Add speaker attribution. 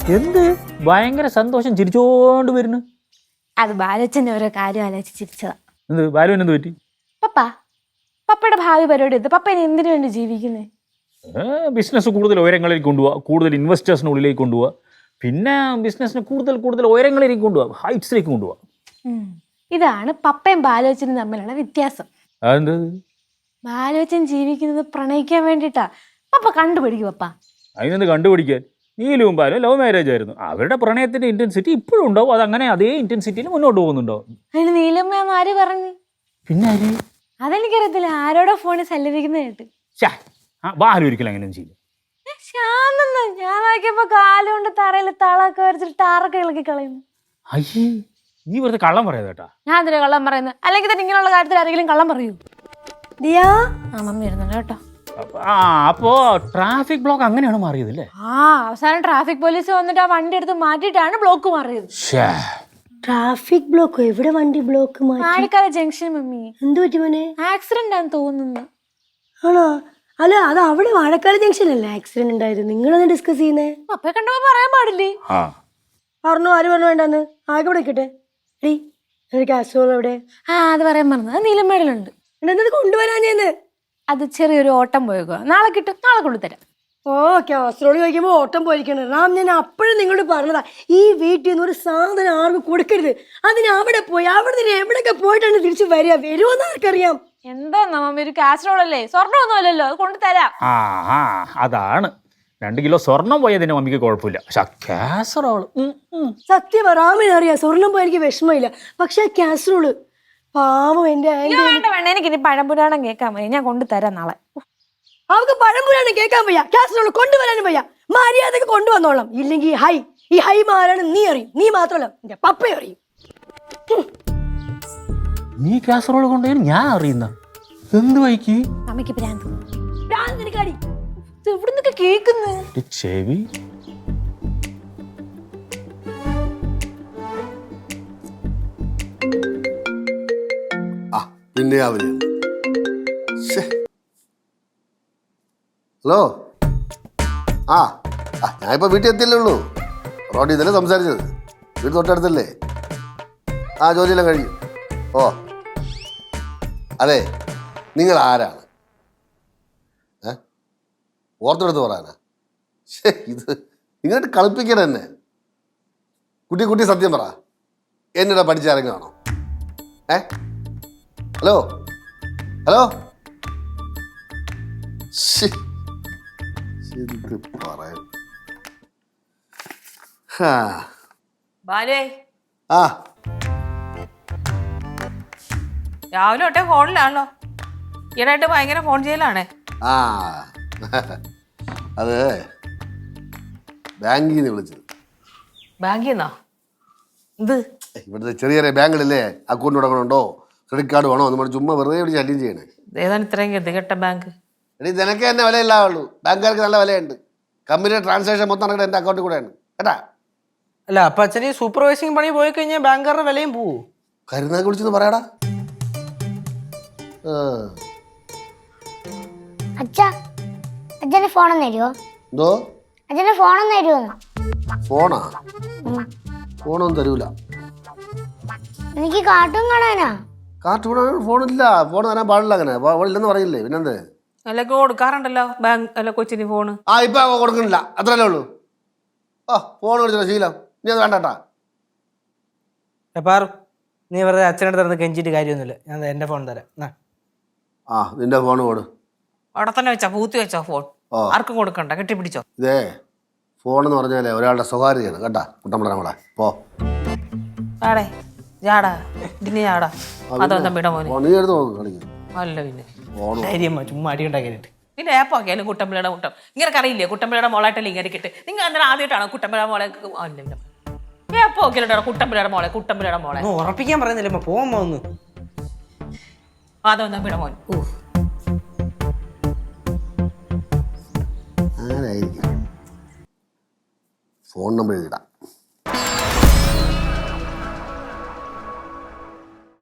Speaker 1: എന്ത് ഭയങ്കര സന്തോഷം ചിരിച്ചോണ്ട് വരുന്നു.
Speaker 2: അത് ബാലച്ചന്റെ ഓരോ കാര്യം ആലോചിച്ച് ചിരിച്ചതാ.
Speaker 1: എന്ത് ബാലുവിന് എന്ത് പറ്റി?
Speaker 2: പപ്പയുടെ ഭാവി പരിപാടി എന്ത്? പപ്പ ഇനി എന്തിനു വേണ്ടി ജീവിക്കുന്നേ?
Speaker 1: ബിസിനസ് കൂടുതൽ ഉയരങ്ങളിലേക്ക് കൊണ്ടുപോവുക, കൂടുതൽ ഇൻവെസ്റ്റേഴ്സിനുള്ളിലേക്ക് കൊണ്ടുപോവുക, പിന്നെ ബിസിനസ്സിന് കൂടുതൽ ഉയരങ്ങളിലേക്ക് കൊണ്ടുപോവുക, ഹൈറ്റ്സിലേക്ക് കൊണ്ടുപോവുക.
Speaker 2: ഇതാണ് പപ്പയും ബാലോച്ചനും തമ്മിലുള്ള വ്യത്യാസം.
Speaker 1: അതെന്ത്?
Speaker 2: ബാലോച്ചൻ ജീവിക്കുന്നത് പ്രണയിക്കാൻ വേണ്ടിട്ടാ. പപ്പ കണ്ടുപിടിക്കും. പപ്പ
Speaker 1: അതിനെന്ത് കണ്ടുപിടിക്കാൻ? നീലും ബാലും ലവ് മാരേജ് ആയിരുന്നു. അവരുടെ പ്രണയത്തിന്റെ ഇന്റൻസിറ്റി ഇപ്പോഴും ഉണ്ടാവും. അതങ്ങനെ അതേ ഇന്റൻസിറ്റിയിൽ മുന്നോട്ട് പോകുന്നുണ്ടാവും.
Speaker 2: അതിന് നീലമ്മ ആര് പറഞ്ഞു?
Speaker 1: പിന്നെ ആര്?
Speaker 2: അതെനിക്കറിയത്തില്ല. ആരോടോ ഫോണിൽ സല്ലപിക്കുന്ന കേട്ട്.
Speaker 1: ബാലു ഒരിക്കലും അങ്ങനെ ചെയ്യും.
Speaker 2: ശാന്തെന്ന് ഞാൻ നോക്കിയപ്പോ കാലുകൊണ്ട് തറയിൽ തളൊക്കെ വരച്ചിട്ട് ടാറൊക്കെ ഇളക്കി കളയുന്നു.
Speaker 1: അയ്യേ, നീ വെറുതെ കള്ളം പറയാതെ കേട്ടാ.
Speaker 2: ഞാൻ എന്തിനാ കള്ളം പറയുന്നത്? അല്ലെങ്കിൽ തന്നെ ഇങ്ങനെയുള്ള കാര്യത്തിൽ ആരെങ്കിലും കള്ളം പറയൂ? ദിയാ മമ്മി ഇരുന്നുണ്ട് കേട്ടോ.
Speaker 1: അപ്പോ ട്രാഫിക് ബ്ലോക്ക് അങ്ങനെയാണ് മാറിയത് അല്ലേ?
Speaker 2: അവസാനം ട്രാഫിക് പോലീസ് വന്നിട്ട് ആ വണ്ടി എടുത്ത് മാറ്റിയിട്ടാണ് ബ്ലോക്ക് മാറിയത്.
Speaker 3: ട്രാഫിക് ബ്ലോക്കോ? എവിടെ വണ്ടി ബ്ലോക്ക്?
Speaker 2: മാണിക്കാല junction mummy.
Speaker 3: എന്ത് പറ്റി മോനെ?
Speaker 2: ആക്സിഡന്റ് ആണെന്ന് തോന്നുന്നു.
Speaker 3: ആണോ? അല്ല, അത് അവിടെ വാഴക്കാട് ജംഗ്ഷൻ അല്ലേ ആക്സിഡന്റ് ഉണ്ടായത്? നിങ്ങളൊന്ന് ഡിസ്കസ് ചെയ്യുന്നേ.
Speaker 2: പപ്പയെ കണ്ടപ്പോ പറയാൻ പാടില്ലേ?
Speaker 3: പറഞ്ഞു. ആര് പറഞ്ഞു വേണ്ടെന്ന്? ആകെ വിളിക്കട്ടെ. കാസറോൾ എവിടെ?
Speaker 2: അത് പറയാൻ പറഞ്ഞത്. അത് നീലമേടലുണ്ട്.
Speaker 3: എന്നത് കൊണ്ടുവരാൻ ചെയ്യുന്നത്.
Speaker 2: അത് ചെറിയൊരു ഓട്ടം പോയേക്കുക. നാളെ കിട്ടും. നാളെ കൊണ്ടുതരാം.
Speaker 3: കാസറോള് ചോദിക്കുമ്പോൾ ഓട്ടം പോയിരിക്കണം. റാം, ഞാൻ അപ്പോഴും നിങ്ങളോട് പറഞ്ഞതാ, ഈ വീട്ടിൽ നിന്ന് ഒരു സാധനം ആർക്കും കൊടുക്കരുത്. അതിന് അവിടെ പോയി അവിടെ നിന്ന് എവിടെയൊക്കെ പോയിട്ടാണ് തിരിച്ചു വരുമെന്ന് ആർക്കറിയാം.
Speaker 2: എന്താ മമ്മി, ഒരു കാസറോൾ അല്ലേ? സ്വർണ്ണമൊന്നും അല്ലല്ലോ. അത് കൊണ്ടുതരാം.
Speaker 1: അതാണ് 2 കിലോ സ്വർണം പോയതിന് മമ്മിക്ക് കുഴപ്പമില്ല. പക്ഷെ കാസറോള്
Speaker 3: സത്യം റാമിന് അറിയാം. സ്വർണം പോയി എനിക്ക് വിഷമമില്ല. പക്ഷെ കാസറോള് പാവം എന്റെ
Speaker 2: വേണ്ട. എനിക്ക് ഇനി പഴംപുരാണം കേൾക്കാൻ മതി. ഞാൻ കൊണ്ടുതരാം നാളെ.
Speaker 3: അവർക്ക് പഴംപുരാണം കേൾക്കാൻ വയ്യ, കാസറോള് കൊണ്ടുവരാനും വയ്യ. മര്യാദക്ക് കൊണ്ടുവന്നോളാം. ഇല്ലെങ്കിൽ ഈ ഹൈ മാരാണ് നീ അറിയും. നീ മാത്രമല്ല, എന്റെ പപ്പയും അറിയും.
Speaker 1: നീ കാസറോള് കൊണ്ടുപോയി ഞാൻ അറിയുന്ന എന്ത് വൈക്ക്?
Speaker 2: അമ്മയ്ക്ക് ഭ്രാന്ത്.
Speaker 3: എവിടുന്നൊക്കെ കേക്കുന്നു
Speaker 1: ചെവി.
Speaker 4: പിന്നെ ഹലോ. ഞാനിപ്പോൾ വീട്ടിൽ എത്തിയല്ലേ ഉള്ളൂ. റോഡിൽ ഇതല്ലേ സംസാരിച്ചത്. വീട് തൊട്ടടുത്തല്ലേ? ജോലിയെല്ലാം കഴിഞ്ഞു. അതെ, നിങ്ങൾ ആരാണ്? ഓർത്തെടുത്ത് പറയാനാ? ഇത് നിങ്ങോട്ട് കളിപ്പിക്കണം എന്നെ. കുട്ടി സത്യം പറ, എന്നിടെ പഠിച്ചിറങ്ങുകയാണോ? ഹലോ പറയാൻ
Speaker 5: രാവിലെ തൊട്ടേ ഫോണിലാണല്ലോ. ഈയിടെയായിട്ട് ഭയങ്കര ഫോൺ ചെയ്യലാണേ.
Speaker 4: അത് ബാങ്കിൽ നിന്ന് വിളിച്ചത്.
Speaker 5: ബാങ്കിൽ നിന്നോ? ഇത്
Speaker 4: ഇവിടുത്തെ ചെറിയ ബാങ്കുകളില്ലേ, അക്കൗണ്ട് തുടങ്ങണുണ്ടോ, ക്രെഡിറ്റ് കാർഡ് വേണോ എന്ന് ചുമ്മാ വെറുതെ ഇവിടെ ശല്യം ചെയ്യണേ.
Speaker 5: ഏതാണ് ഇത്രയും ഗതികെട്ട ബാങ്ക്?
Speaker 4: നിനക്ക് തന്നെ വിലയില്ലാവുള്ളൂ. ബാങ്കുകാർക്ക് നല്ല വിലയുണ്ട്. കമ്പനിയുടെ ട്രാൻസാക്ഷൻ മൊത്തം നടക്കുന്നത് എൻ്റെ അക്കൗണ്ടിൽ കൂടെയാണ് കേട്ടാ.
Speaker 6: അല്ല, അപ്പൊ അച്ഛന് സൂപ്പർവൈസിങ് പണി പോയി കഴിഞ്ഞാൽ ബാങ്കുകാരുടെ വിലയും പോവോ?
Speaker 4: കരുനാക്ക് വിളിച്ചെന്ന് പറയാടാ.
Speaker 7: അച്ഛന് ഫോണൊന്നും തരുമോ?
Speaker 4: എന്തോ?
Speaker 7: അച്ഛന് ഫോണൊന്നും തരുമോ?
Speaker 4: ഫോണൊന്നും തരൂല.
Speaker 7: എനിക്ക് കാർട്ടൂൺ കാണാനാ.
Speaker 4: കാർട്ടൂൺ ഫോണില്ല. ഫോൺ തരാൻ പാടില്ല. അങ്ങനെ ഇല്ലെന്ന് പറയില്ലേ? പിന്നെന്ത്?
Speaker 5: അല്ലൊക്കെ കൊടുക്കാറുണ്ടല്ലോ ബാങ്ക് അല്ല കൊച്ചിന് ഫോണ്.
Speaker 4: ഇപ്പൊ കൊടുക്കണില്ല, അത്രല്ലേ ഉള്ളൂ. ഫോൺ വിളിച്ചോ ശീലം. നീ അത് വേണ്ടട്ടാ.
Speaker 6: പാറു, നീ വെറുതെ അച്ഛനടുത്ത് നടന്ന് കെഞ്ചിട്ട് കാര്യമൊന്നുമില്ല. ഞാൻ എന്റെ ഫോൺ തരാം.
Speaker 4: നിന്റെ ഫോൺ കൊടു.
Speaker 5: അവിടെ തന്നെ വെച്ചോ, പൂത്തി വെച്ചോ ഫോൺ. ആർക്കും കൊടുക്കണ്ട, കെട്ടിപ്പിടിച്ചോ.
Speaker 4: ഇതേ ഫോൺ എന്ന് പറഞ്ഞാലേ ഒരാളുടെ സ്വകാര്യതയാണ് കേട്ടാ. കുട്ടമ്പള നമ്മളെ
Speaker 5: ആടേ ജാടാ ഇതിന് ജാടാ. അതൊന്നും വിട മോനെ.
Speaker 4: നീ എടുത്ത് നോക്ക് കളിക്കും.
Speaker 5: അല്ല പിന്നെ
Speaker 6: ചുമ്മാ അടി ഉണ്ടാക്കിയിട്ട്
Speaker 5: പിന്നെ ഏപ്പാക്കിയാലും കുട്ടമ്പിളയുടെ മുട്ടം ഇങ്ങനെ അറിയില്ലേ? കുട്ടമ്പിളയുടെ മോളായിട്ടല്ലേ ഇങ്ങനെ കിട്ട്. നിങ്ങൾ അന്നേരം ആദ്യമായിട്ടാണോ കുട്ടമ്പിളയുടെ മോളെ? ഏപ്പോക്കിയാലോ കുട്ടമ്പിളയുടെ മോളെ
Speaker 6: ഉറപ്പിക്കാൻ പറയുന്നില്ല. പോവാൻ ഒന്ന്
Speaker 5: അതൊന്നും വിട മോൻ.
Speaker 4: Phone number എഴുതിടാം.